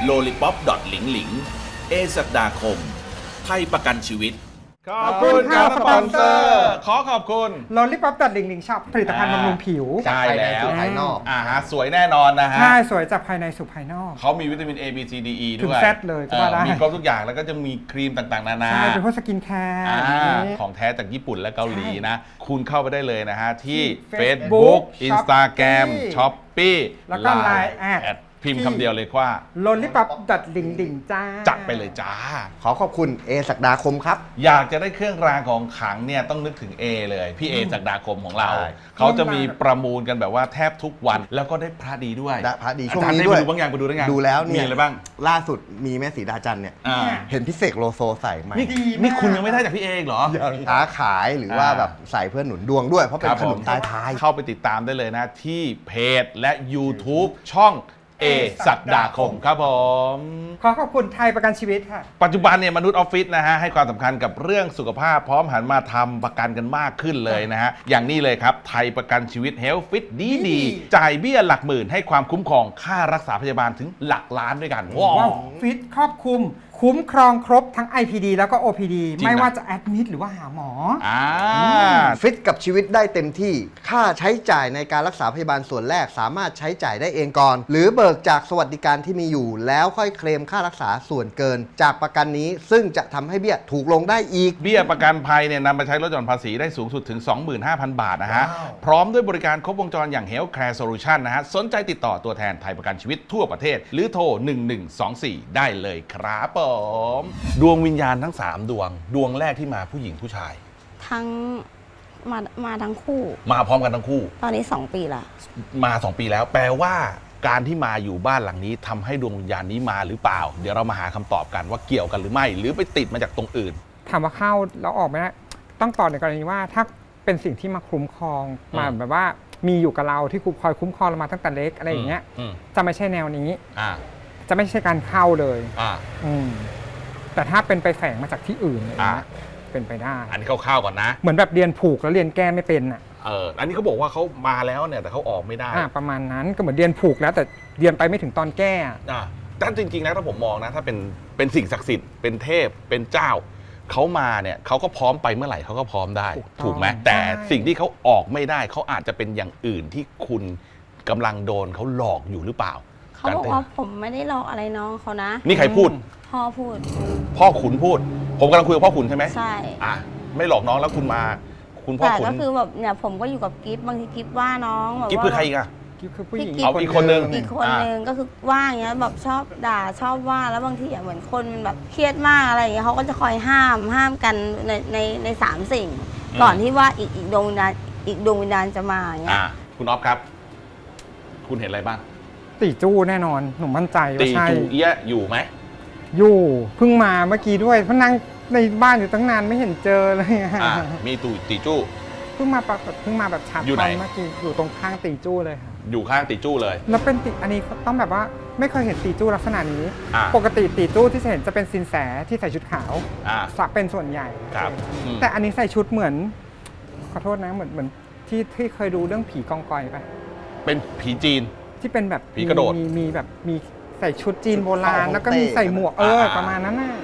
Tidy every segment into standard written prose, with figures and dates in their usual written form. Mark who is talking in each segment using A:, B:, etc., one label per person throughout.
A: lollipop หลิงหลิงเอศักดาคมไทยประกันชีวิต
B: ขอบคุณครับสปอนเซอร์ขอขอบคุณ
C: Lollipop ตัดลิงลิงช็อปผลิตภัณฑ์บำรุงผิว
B: ใช่แล้ว
D: ภายนอก
B: ฮะสวยแน่นอนนะฮะ
C: ใช่สวยจากภายในสู่ภายนอก
B: เขามีวิตามิน A B C D E ด้วย
C: ถึง Z เลยก็ว่าได้
B: มีครบทุกอย่างแล้วก็จะมีครีมต่างๆนานา
C: ใช่เป็นพวกสกินแคร์
B: ของแท้จากญี่ปุ่นและเกาหลีนะคุณเข้าไปได้เลยนะฮะที่
C: Facebook
B: Instagram Shopee
C: แล้วก็ Line แอด
B: พิมพ์คำเดียวเลยว่า
C: Lollipop ตัดลิงลิงจ้า
B: จัดไปเลยจ้า
D: ขอขอบคุณเอศักดาคมครับ
B: อยากจะได้เครื่องรางของขลังเนี่ยต้องนึกถึง A เลยพี่เอศักดาคมของเราเขาจะมีประมูลกันแบบว่าแทบทุกวันแล้วก็ได้พระดีด้วย
D: พระดีช่วงนี้ด้วย
B: บางอย่างไปดูได้ไง
D: ดูแล้วเนี่ย
B: มีอะไรบ้าง
D: ล่าสุดมีแม่สีดาจันเนี่ยเห็นพี่เสกโลโซใส่ไหม
B: นี่คุณยังไม่ได้จากพี่เอเหรอ
D: ค้าขายหรือว่าแบบใส่เพื่อหนุนดวงด้วยเพราะเป็นขนมตายท้าย
B: เข้าไปติดตามได้เลยนะที่เพจและ YouTube ช่องเอศักดาคมครับผม
C: ขอขอบคุณไทยประกันชีวิตค่ะ
B: ปัจจุบันเนี่ยมนุษย์ออฟฟิศนะฮะให้ความสำคัญกับเรื่องสุขภาพพร้อมหันมาทำประกันกันมากขึ้นเลยนะฮะอย่างนี้เลยครับไทยประกันชีวิต Health Fit ดีจ่ายเบี้ยหลักหมื่นให้ความคุ้มครองค่ารักษาพยาบาลถึงหลักล้านด้วยกัน
C: ว้าวฟิตครอบคลุมคุ้มครองครบทั้ง IPD แล้วก็ OPD ไม่ว่าจะแอดมิดหรือว่าหาหมอ
D: ฟิตกับชีวิตได้เต็มที่ค่าใช้จ่ายในการรักษาพยาบาลส่วนแรกสามารถใช้จ่ายได้เองก่อนหรือเบิกจากสวัสดิการที่มีอยู่แล้วค่อยเคลมค่ารักษาส่วนเกินจากประกันนี้ซึ่งจะทำให้เบี้ยถูกลงได้อีก
B: เบี้ยประกันภัยเนี่ยนำมาใช้ลดหย่อนภาษีได้สูงสุดถึง 25,000 บาทนะฮะพร้อมด้วยบริการครบวงจรอย่าง Health Care Solution นะฮะสนใจติดต่อตัวแทนไทยประกันชีวิตทั่วประเทศหรือโทร1124ได้เลยครับดวงวิญญาณทั้ง3ดวงแรกที่มาผู้หญิงผู้ชาย
E: ทั้งมาทั้งคู่
B: มาพร้อมกันทั้งคู่
E: ตอนนี้2 ปีละ
B: มา2 ปีแล้วแปลว่าการที่มาอยู่บ้านหลังนี้ทำให้ดวงวิญญาณนี้มาหรือเปล่าเดี๋ยวเรามาหาคำตอบกันว่าเกี่ยวกันหรือไม่หรือไปติดมาจากตรงอื่น
C: ถามว่าเข้าแล้วออกไหมนะต้องตอบในกรณีว่าถ้าเป็นสิ่งที่มาคุ้มครองมาแบบว่ามีอยู่กับเราที่คอยคุ้มครองเรามาตั้งแต่เล็กอะไรอย่างเงี้ยจะไม่ใช่แนวนี้จะไม่ใช่การเข้าเลยแต่ถ้าเป็นไปแฝงมาจากที่อื่นเป็นไปได้
B: อันนี้เข้าก่อนนะ
C: เหมือนแบบเรียนผูกแล้วเรียนแก้ไม่เป็น
B: อันนี้เขาบอกว่าเขามาแล้วเนี่ยแต่เขาออกไม่ได้
C: ประมาณนั้นก็เหมือนเรียนผูกแล้วแต่เรียนไปไม่ถึงตอนแก้
B: แต่จริงๆนะถ้าผมมองนะถ้าเป็นสิ่งศักดิ์สิทธิ์เป็นเทพเป็นเจ้าเขามาเนี่ยเขาก็พร้อมไปเมื่อไหร่เขาก็พร้อมได้ถูกไหมแต่สิ่งที่เขาออกไม่ได้เขาอาจจะเป็นอย่างอื่นที่คุณกำลังโดนเขาหลอกอยู่หรือเปล่า
E: เขาบอกว่าผมไม่ได้หลอกอะไรน้องเขานะ
B: นี่ใครพูด
E: พ่อพูด
B: พ่อขุนพูดผมกำลังคุยกับพ่อขุนใช่ไหม
E: ใช่
B: ไม่หลอกน้องแล้วคุณมาคุณพ่อขุน
E: แต่ก็คือแบบเนี่ยผมก็อยู่กับกิฟบางทีกิฟว่าน้องแบบ
B: กิฟคือใครอีกอะ
C: กิฟคือผู้หญิง
B: เอาอีกคนนึง
E: ก็คือว่าอย่างเงี้ยแบบชอบด่าชอบว่าแล้วบางทีเหมือนคนมันแบบเครียดมากอะไรอย่างเงี้ยเขาก็จะคอยห้ามกันใน3 สิ่งก่อนที่ว่าอีกดวงวิญญาณจะมาอย่างเงี้ย
B: คุณอ๊อฟครับคุณเห็นอะไรบ้าง
C: ตีจู้แน่นอนหนูมั่นใจว่าใช่
B: ตีจู้เอี้ยอยู่ไหม
C: อยู่เพิ่งมาเมื่อกี้ด้วยเพราะนั่งในบ้านอยู่ตั้งนานไม่เห็นเจอเลย
B: มีตีจู้
C: เพิ่งมาแบบชัดตอนเมื่อกี้อยู่ตรงข้างตีจู้เลยค่ะ
B: อยู่ข้างตีจู้เลย
C: แล้วเป็นอันนี้ต้องแบบว่าไม่เคยเห็นตีจู้ลักษณะนี้ปกติตีจู้ที่เห็นจะเป็นสินแสที่ใส่ชุดขาวเป็นส่วนใหญ่
B: ครับ
C: แต่อันนี้ใส่ชุดเหมือนขอโทษนะเหมือนที่เคยดูเรื่องผีกองกอยป่ะ
B: เป็นผีจีน
C: ที่เป็นแบบ
B: ผีกระโดด
C: มีแบบมีใส่ชุดจีนโบราณแล้วก็มีใส่หมวกประมาณนั้นน่ะ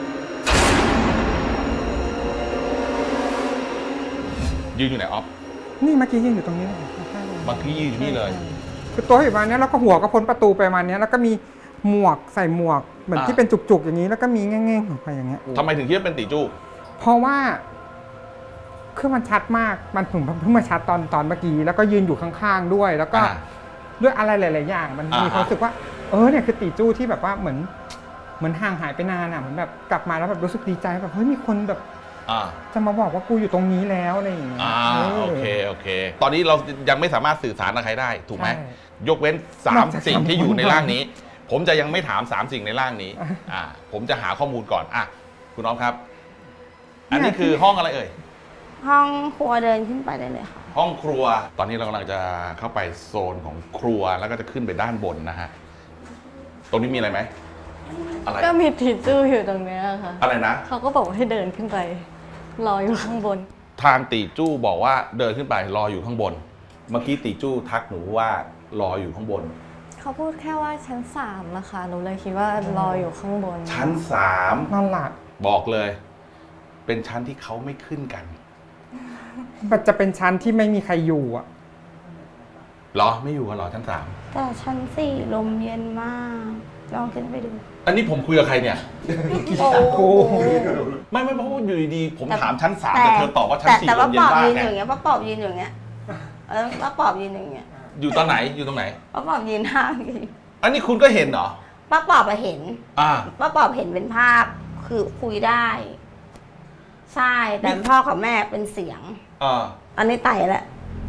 B: ยืนอยู่ไหนออฟ
C: นี่เมื่อกี้ยืนอยู่ตรงนี้
B: บางทียืนอยู่นี่เลย
C: คือตัวอยู่ประมาณนี้แล้วก็หัวก็พ้นประตูไปประมาณนี้แล้วก็มีหมวกใส่หมวกเหมือนที่เป็นจุกๆอย่างนี้แล้วก็มีแง่งๆออกไปอย่างเงี้ย
B: ทำไมถึงคิดว่าเป็นตีจู้
C: เพราะว่าคือมันชัดมากมันเพิ่งมาชัดตอนเมื่อกี้แล้วก็ยืนอยู่ข้างๆด้วยแล้วก็ด้วยอะไรหลายๆอย่างมันมีความรู้สึกว่าเนี่ยคือตีจู้ที่แบบว่าเหมือนห่างหายไปนานเหมือนแบบกลับมาแล้วแบบรู้สึกดีใจแบบเฮ้ยมีคนแบบจะมาบอกว่ากูอยู่ตรงนี้แล้วอะไรอย่างเงี้ย
B: โอเคตอนนี้เรายังไม่สามารถสื่อสารกับใครได้ถูกไหมยกเว้น3 สิ่งที่อยู่ในร่างนี้ผมจะยังไม่ถาม3 สิ่งในร่างนี้ผมจะหาข้อมูลก่อนคุณน้องครับอันนี้คือห้องอะไรเอ่ย
E: ห้องครัวเดินขึ้นไปได้เลยค่ะ
B: ห้องครัวตอนนี้เรากำลังจะเข้าไปโซนของครัวแล้วก็จะขึ้นไปด้านบนนะฮะตรงนี้มีอะไรไหม
F: อะไรก็มีตีจู้อยู่ตรงนี้ค่ะ
B: อะไรนะ
F: เขาก็บอกให้เดินขึ้นไปรออยู่ข้างบน
B: ทางตีจู้บอกว่าเดินขึ้นไปรออยู่ข้างบนเมื่อกี้ตีจู้ทักหนูว่ารออยู่ข้างบน
F: เขาพูดแค่ว่าชั้น3นะคะหนูเลยคิดว่ารออยู่ข้างบน
B: ชั้น
C: นั่นแหละ
B: 3บอกเลย เป็นชั้นที่เขาไม่ขึ้นกัน
C: มันจะเป็นชั้นที่ไม่มีใครอยู่อ่ะ
B: เหรอไม่อยู่กันเหรอชั้น
E: แต่ชั้น4ลมเย็นมากลองขึ้นไปดู
B: 3อันนี้ผมคุยกับใครเนี่ย
E: โอ้โห
B: ไม่เพราะว่าอยู่ดีๆผม
E: แต่
B: ถามชั้น 3แต่เธอตอบว่าชั้น 4
E: แต่
B: ล
E: ว่าม
B: เย็
E: ป
B: น
E: อบ
B: มาก
E: ยืน
B: ไง
E: อย่างเงี้ยป้าปอบยืนอย่างเงี้ยป้าปอบยืนอย่างเงี้ย
B: อยู่ตอนไหนอยู่ตรงไหน
E: ป้าปอบยืนห้างอยู่
B: อันนี้คุณก็เห็นเหรอ
E: ป้าปอบไปเห็น
B: อ่า
E: ป้าปอบเห็นเป็นภาพคือคุยได้ ใช่แต่พ่อกับแม่เป็นเสียง
B: อ่า
E: อันนี้ไต่แล้ว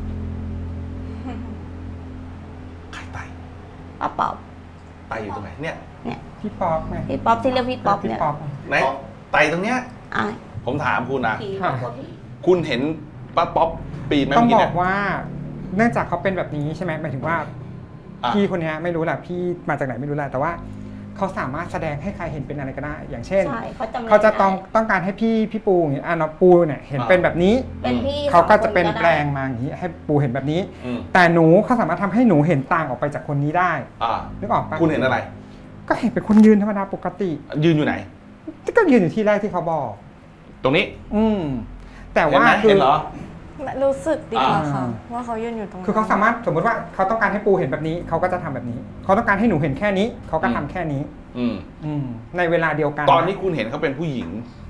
B: ใครไต
E: ป้าปอบ
B: ไตอยู่ตรงไหนเนี่ย
C: พี่ป๊อปไง
E: พี่ป๊อปที่เรียกพี่ป๊อป
C: พี่
E: เนี่ย
C: ป๊อป
B: ไหนไตตรงเนี้ย
E: อ่ะ
B: ผมถามคุณนะ
E: ผี
C: ค่ะ
E: กว่าผี
B: คุณเห็นป้าป๊อปปีนไหม
C: ต้อง
B: เมื่อกี้
C: บอ
B: เนี่
C: ก
B: ย
C: ว่า เนื่องจากเขาเป็นแบบนี้ใช่ไหมหมายถึงว่า
B: อ่ะ
C: พี่คนเนี้ยไม่รู้แหละพี่มาจากไหนไม่รู้แหละแต่ว่าเขาสามารถแสดงให้ใครเห็นเป็นอะไรก็ได้ อย่างเช่น
E: ใช่เขาจำ
C: เขาจะต้อง
E: ได้
C: ต้องการให้พี่ปูอย่างเงี้ยน้องปูเนี่ยเห็นเป็นแบบนี้
E: เป็นพี่
C: เขาก็
E: สองคน
C: จะเป็น
E: ได้
C: แปลงมาอย่างนี้ให้ปูเห็นแบบนี้
B: อืม
C: แต่หนูเขาสามารถทำให้หนูเห็นต่างออกไปจากคนนี้ได้
B: อ่า
C: นึกออกปะ
B: คุณเห็นอะไร
C: ก็เห็นเป็นคนยืนธรรมดาปกติ
B: ยืนอยู่ไหน
C: ก็ยืนอยู่ที่แรกที่เขาบอก
B: ตรงนี้
C: แต่
B: เห็น
C: ว่า
B: ไหม
C: คื
B: เห็
C: อน
B: เหรอ
F: รู้สึกดีกว่าค่ะ
C: อ่า
F: ว่าเขายืนอยู่ตรงนั้น
C: คือเขาสามารถสมมติว่าเขาต้องการให้ปูเห็นแบบนี้เขาก็จะทำแบบนี้ เขาต้องการให้หนูเห็นแค่นี้ เขาก็ทำแค่นี้
B: อืม
C: ในเวลาเดียวกัน
B: ตอนนี้คุณเห็นเขาเป็นผู้หญิง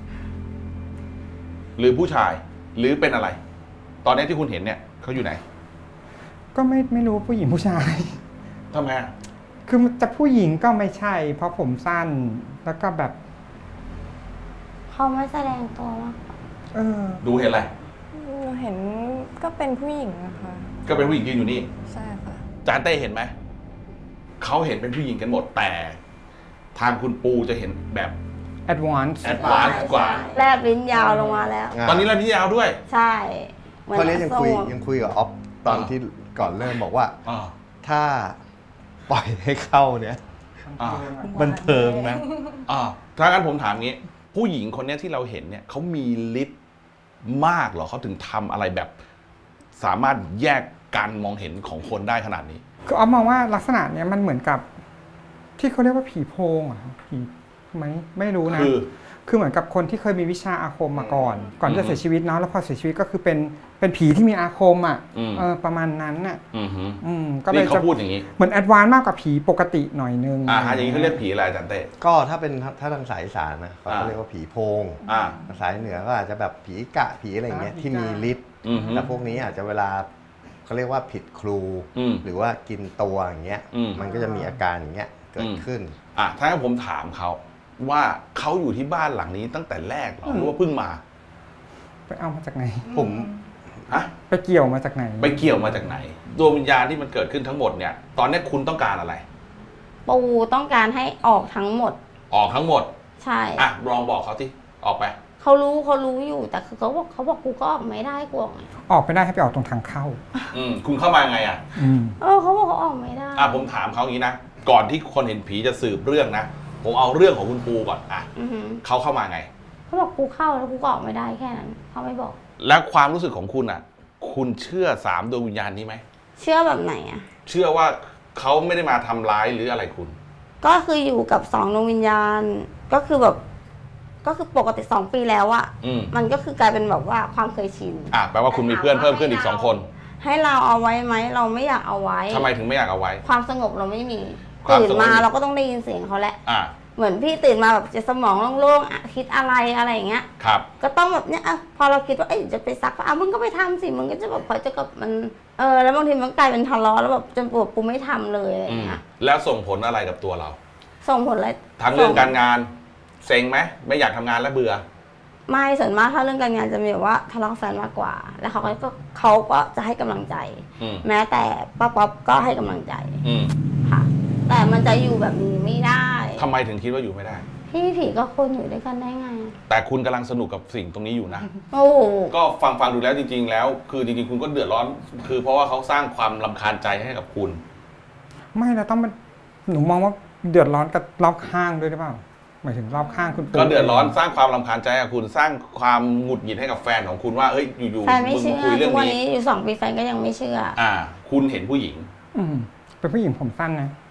B: หรือผู้ชาย หรือเป็นอะไร ตอนนี้ที่คุณเห็นเนี่ยเขาอยู่ไหน
C: ก็ไม่รู้ผู้หญิงผู้ชาย
B: ทำไมอ่ะ
C: คือจะผู้หญิงก็ไม่ใช่ เพราะผมสั้นแล้วก็แบบ
E: เขาไม่แสดงตัวมาก
C: เออ
B: ดูเห็นอะไร
F: หนูเห็นก็เป็นผู้หญิงนะคะ
B: ก็เป็นผู้หญิงยืนอยู่นี่
F: ใช่ค่ะ
B: จานเต้เห็นไหมเขาเห็นเป็นผู้หญิงกันหมดแต่ ทางคุณปูจะเห็นแบบ
C: advance
B: แอดวานซ์กว่า
E: แลบลิ้นยาวลงมาแล้ว
B: ตอนนี้เราพี่ยาวด้วย
E: ใช่หมือ
D: เพราะนี้ยังคุย
E: ส้ม
D: ยังคุยกับออฟตอนที่ก่อนเริ่มบอกว่า
B: อ่า
D: ถ้าปล่อยให้เข้าเนี่ย
B: อ่า
D: บันเทิงนะ
B: ถ้างั้นผมถามงี้ ผู้หญิงคนเนี้ยที่เราเห็นเนี่ยเขามีฤทธิ์มากเหรอเขาถึงทำอะไรแบบ สามารถแยกการมองเห็นของคนได้ขนาดนี้
C: คือออฟมองว่าลักษณะเนี้ยมันเหมือนกับ ที่เขาเรียกว่าผีโพงอ่ะผีไหมไม่รู้นะ คือเหมือนกับคนที่เคยมีวิชาอาคมมาก่อนที่จะเสียชีวิตเนาะแล้วพอเสียชีวิตก็คือเป็นผีที่มีอาคมอ่ะประมาณนั้นน่ะ
B: อือหือ
C: ก็เลย
B: นี่เขา
C: จะ
B: พูดอย่างนี้
C: เหมือนแอดวานซ์มากกว่าผีปกติหน่อยนึง
B: อย่างนี้เขาเรียกผีอะไรอาจารย์เต้
D: ก็ถ้าเป็นถ้าทางสายอีสานนะเขา
B: อ่า
D: เรียกว่าผีโพง
B: อ่า
D: ภาษาเหนือก็อาจจะแบบผีกะผีอะไรเงี้ยที่มีฤทธิ์
B: อือหือ
D: แล้วพวกนี้อาจจะเวลาเขาเรียกว่าผิดครู หรือว่ากินตัวอย่างเงี้ย มันก็จะมีอาการอย่างเงี้ยเกิดขึ้น
B: ถ้างั้นผมถามเขาว่าเขาอยู่ที่บ้านหลังนี้ตั้งแต่แรกเหรอหรือว่าเพิ่งมา
C: ไปเอามาจากไหน
D: ผม
B: ฮะ
C: ไปเกี่ยวมาจากไหน
B: ไปเกี่ยวมาจากไหนดวงวิญญาณที่มันเกิดขึ้นทั้งหมดเนี่ย ตอนนี้คุณต้องการอะไร
E: ปูต้องการให้ออกทั้งหมด
B: ออกทั้งหมด
E: ใช่
B: ลองบอกเขาที่ออกไป
E: เขารู้อยู่แต่คือเขาบอกกูก็ออกไม่ได้กูออกไง
C: ออกไปได้ให้ไปออกตรงทางเข้า
B: คุณเข้ามายังไงอ่ะ
E: เขาบอกเขาออกไม่ได้
B: ผมถามเขาอย่างนี้นะ ก่อนที่คนเห็นผีจะสืบเรื่องนะ ผมเอาเรื่องของคุณปูก่อน
E: อือหือ
B: เขาเข้ามาไง
E: เขาบอกกูเข้าแล้วกูก็ออกไม่ได้แค่นั้นเขาไม่บอก
B: แล้วความรู้สึกของคุณอ่ะ คุณเชื่อ3ดวงวิญญาณนี้ไหม
E: เชื่อแบบไหนอ่ะ
B: เชื่อว่าเขาไม่ได้มาทำร้ายหรืออะไรคุณ
E: ก็คืออยู่กับ2ดวงวิญญาณก็คือแบบก็คือปกติ2 ปีแล้วอะ มันก็คือกลายเป็นแบบว่าความเคยชิน
B: แปลว่าคุณมีเพื่อนเพิ่มขึ้นอีก2 คน
E: ให้เราเอาไว้ไหมเราไม่อยากเอาไว้
B: ทำไมถึงไม่อยากเอาไว้
E: ความสงบเราไม่มี
B: ความ
E: ตื่น
B: สงบ
E: มาเราก็ต้องได้ยินเสียงเขาแหละ เหมือนพี่ตื่นมาแบบจะสมองโล่งๆอะคิดอะไรอย่างเงี้ย
B: ครับ
E: ก็ต้องแบบเนี้ยพอเราคิดว่าจะไปซักผ้ามึงก็ไปทำสิมึงก็จะแบบพอจะกับมันแล้วบางทีมันกลายเป็นทะเลาะแล้วแบบจนปวดกูไม่ทำเลยอะไรอย่างเงี้ย
B: แล้วส่งผลอะไรกับตัวเรา
E: ส่งผลอะไร
B: ทั้งเรื่องการงานเซ็งไหมไม่อยากทำงานแล้วเบื่อ
E: ไม่ส่วนมากถ้าเรื่องการงานจะมีแบบว่าทะเลาะกับแฟนมากกว่า แล้วเขาก็จะให้กำลังใจ แม้แต่ป้าป๊อปก็ให้กำลังใจค่ะ แต่มันจะอยู่แบบนี้ไม่ได้
B: ทำไมถึงคิดว่าอยู่ไม่ได้
E: พี่ผีก็คนอยู่ด้วยกันได้ไง
B: แต่คุณกำลังสนุกกับสิ่งตรงนี้อยู่นะ
E: โอ้โห
B: ก็ฟังดูแล้วจริง ๆ แล้ว คือจริงๆคุณก็เดือดร้อน คือเพราะว่าเขาสร้างความรำคาญใจให้กับคุณ
C: ไม่เราต้องมันหนูมองว่าเดือดร้อนกับรอบข้างด้วยหรือเปล่าหมายถึงรอบข้างคุณปู่
B: ก็เดือดร้อนสร้างความรำคาญใจให้กับคุณสร้างความหงุดหงิดให้กับแฟนของคุณว่าเอ้ยอยู่
E: แฟนไม่
B: มึง
E: เชื่อ
B: คุยเรื่
E: ทุ
B: อง
E: กวัน
B: นี้
E: นี้อยู่2 ปีแฟนก็ยังไม่เชื่อ
B: คุณเห็นผู้หญิง
C: เป็นผู้หญิงผมสั้นนะ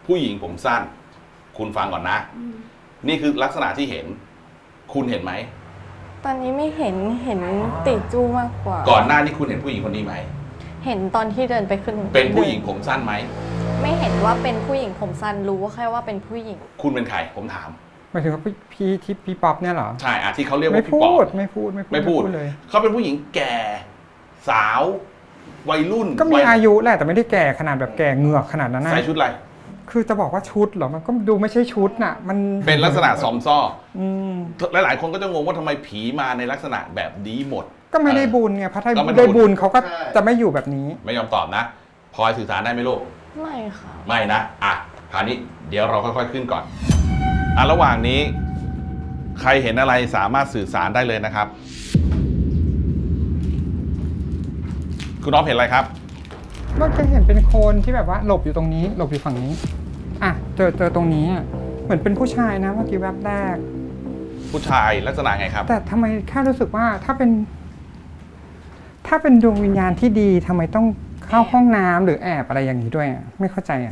B: ผู้หญิงผมสั้น คุณฟังก่อนนะ นี่คือลักษณะที่เห็น คุณเห็นไหม
F: ตอนนี้ไม่เห็นติจู้มากกว่า
B: ก่อนหน้านี้คุณเห็นผู้หญิงคนนี้ไหม
F: เห็นตอนที่เดินไปขึ้น
B: เป็นผู้หญิงผมสั้นไหม
F: ไม่เห็นว่าเป็นผู้หญิงผมสั้นรู้ว่าแค่ว่าเป็นผู้หญิง
B: คุณเป็นใครผมถาม
C: หมายถึงว่าพี่ป๊อปเนี่ยเหรอ
B: ใช่ที่เขาเรียก
C: ไม่
B: ว่าพี่
C: พู
B: ปอ
C: ด
B: บ
C: ไม่พูด เลย
B: เขาเป็นผู้หญิงแก่ สาว วัยรุ่น
C: ก็มีอายุแหละแต่ไม่ได้แก่ขนาดแบบแก่เหงือกขนาดนั้นนะ
B: ใส่ชุดอะไร
C: คือจะบอกว่าชุดเหรอมันก็ดูไม่ใช่ชุดน่ะ มัน
B: เป็นลักษณะซอมซ่อ
C: อืม
B: หลายๆคนก็จะงงว่าทำไมผีมาในลักษณะแบบนี้หมด
C: ก็ไม่ได้บุญไงเพราะถ้า
B: ก็ไม่ได้
C: ได้
B: บุ
C: บุ
B: ญ
C: ญเขาก็จะไม่อยู่แบบนี้
B: ไม่ยอมตอบนะพลอยสื่อสารได้ไหมลูก
F: ไม่ค่ะ
B: ไม่นะคราวนี้เดี๋ยวเราค่อยๆขึ้นก่อนระหว่างนี้ ใครเห็นอะไรสามารถสื่อสารได้เลยนะครับ คุณน้องเห็นอะไรครับ
C: เมื่อกี้เห็นเป็นคนที่แบบว่าหลบอยู่ตรงนี้ หลบอยู่ฝั่งนี้เจอตรงนี้เหมือนเป็นผู้ชายนะเมื่อกี้แวบแรก
B: ผู้ชายลักษณะไงครับ
C: แต่ทำไมแค่รู้สึกว่าถ้าเป็นดวงวิญญาณที่ดีทำไมต้องเข้าห้องน้ำหรือแอบอะไรอย่างนี้ด้วยไม่เข้าใจ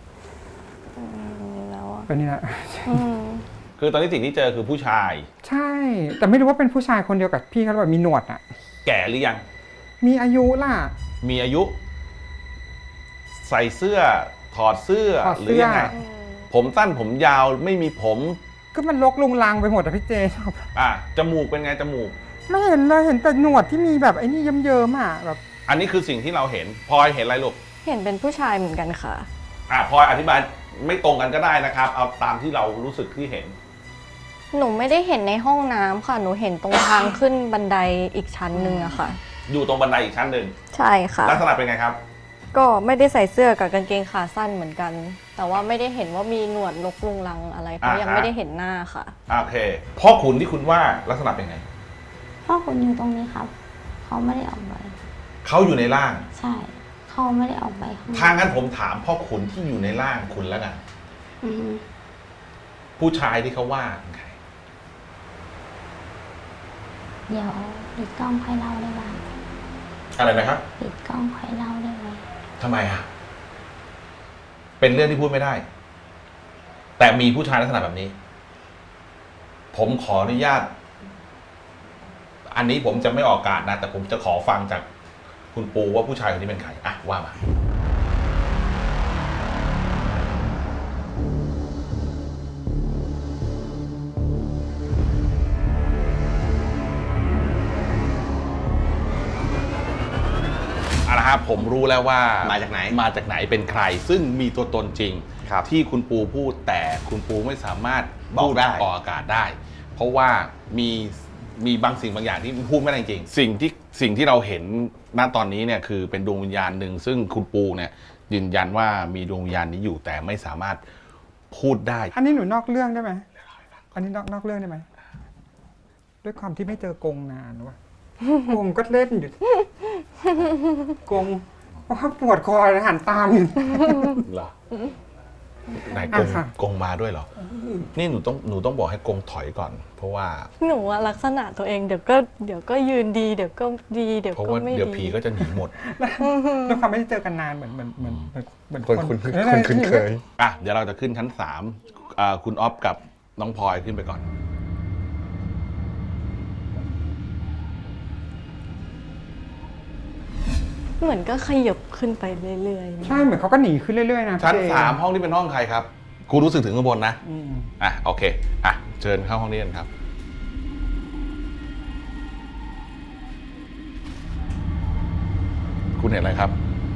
F: แล้วอะ
C: เป็นนี่แหละ
B: คือตอนนี้สิ่งที่เจอคือผู้ชาย
C: ใช่ แต่ไม่รู้ว่าเป็นผู้ชายคนเดียวกับพี่เขาหรือเปล่ามีหนวด
B: แก่หรือยัง
C: มีอายุล่ะ
B: มีอายุ ใส่เสื้อถอดเสื้อ
C: ถอด
B: ห
C: เสื้อ
B: รือยังไงผมสั้นผมยาวไม่มีผม
C: ก็มันลกลุงลังไปหมดอะพี่เจชอบ
B: จมูกเป็นไงจมูก
C: ไม่เห็นเลยเห็นแต่หนวดที่มีแบบไอ้นี่เยิ้มๆแบบ
B: อันนี้คือสิ่งที่เราเห็นพลอยเห็นอะไรลูก
F: เห็นเป็นผู้ชายเหมือนกันค่ะ
B: พลอยอธิบายไม่ตรงกันก็ได้นะครับ เอาตามที่เรารู้สึกที่เห็น
F: หนูไม่ได้เห็นในห้องน้ำค่ะ หนูเห็นตรงทางขึ้นบันไดอีกชั้นหนึ่งอะค่ะ
B: อยู่ตรงบันไดอีกชั้นหนึ่ง
F: ใช่ค่ะ
B: ลักษณะเป็นไงครับ
F: ก็ไม่ได้ใส่เสื้อกับกางเกงขาสั้นเหมือนกัน แต่ว่าไม่ได้เห็นว่ามีหนวดลกลุงลังอะไรเพราะยังไม่ได้เห็นหน้าค่ะ
B: โอเคพ่อขุนที่คุณว่าลักษณะเป็นไง
E: พ่อคุณอยู่ตรงนี้ครับ เขาไม่ได้ออกไป
B: เขาอยู่ในร่าง
E: ใช่ เขาไม่ได้ออกไปข้างนอก
B: ถ้างั้นผมถามพ่อขุนที่อยู่ในร่างคุณแล้วกัน
E: อือฮึ
B: ผู้ชายที่เขาว่าเป็นใคร
E: เดี๋ยวปิดกล้องค่อยเล่าได้บ้าง
B: อะไรนะครับ
E: ปิดกล้องค่อยเล่าได้ไหม
B: ทำไมเป็นเรื่องที่พูดไม่ได้ แต่มีผู้ชายลักษณะแบบนี้ ผมขออนุญาต อันนี้ผมจะไม่ออกอากาศนะ แต่ผมจะขอฟังจากคุณปูว่าผู้ชายคนนี้เป็นใครว่ามา ผมรู้แล้วว่ามาจากไหนเป็นใคร ซึ่งมีตัวตนจริงที่คุณปูพูดแต่คุณปูไม่สามารถพูดออกอากาศได้ เพราะว่ามีบางสิ่งบางอย่างที่พูดไม่ได้จริงสิ่งที่เราเห็นณตอนนี้เนี่ยคือเป็นดวงวิญญาณหนึ่งซึ่งคุณปูเนี่ยยืนยันว่ามีดวงวิญญาณนี้อยู่แต่ไม่สามารถพูดได้
C: อันนี้หนูนอกเรื่องได้ไหมอันนี้นอกเรื่องได้ไหมด้วยความที่ไม่เจอกงนานวะกงก็เล่นอยู่กงว่าปวดคอเลยหันตามอยู่
B: เหรอไหน
C: ค่ะ
B: กงมาด้วยเหรอ นี่หนูต้องบอกให้กงถอยก่อน เพราะว่า
F: หนูอะลักษณะตัวเองเดี๋ยวก็ยืนดีเดี๋ยวก็ดีเดี๋ยว
B: เพราะ
F: ก็
B: ว่า
F: ไม่
B: เดี๋ยว
F: ดี
B: ผีก็จะหนีหมด
C: ด้วยความไม่ได้เจอกันนานเหมือนคน
D: คุ้นเคย
B: เดี๋ยวเราจะขึ้นชั้น3คุณอ๊อฟกับน้องพลอยขึ้นไปก่อน
F: เหมือนก็ขยับขึ้นไปเรื่อยๆ
C: ใช่เหมือนเขาก็หนีขึ้นเรื่อยๆนะ
B: ชั้น
C: พี่เจ
B: 3ห้องนี้เป็นห้องใครครับกูรู้สึกถึงข้างบนนะ
C: อืม
B: โอเคเชิญเข้าห้องนี้กันครับ คุณเห็นอะไรครับ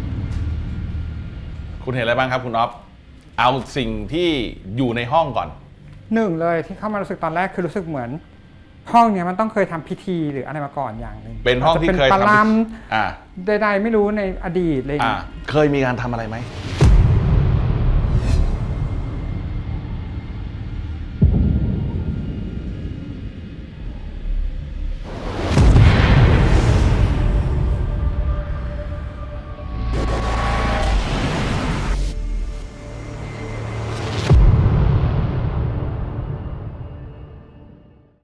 B: คุณเห็นอะไรบ้างครับ คุณอ๊อฟเอาสิ่งที่อยู่ในห้องก่อน
C: หนึ่งเลยที่เข้ามารู้สึกตอนแรกคือรู้สึกเหมือน ห้องเนี้ยมันต้องเคยทำพิธีหรืออะไรมาก่อนอย่างหนึ่ง
B: เป็นห้องที่เคย
C: อาจจะเป็นปลา
B: ทำ
C: ลัมใดๆไม่รู้ในอดีตอะไรอย่างเงี้ย
B: เคยมีการทำอะไรไหม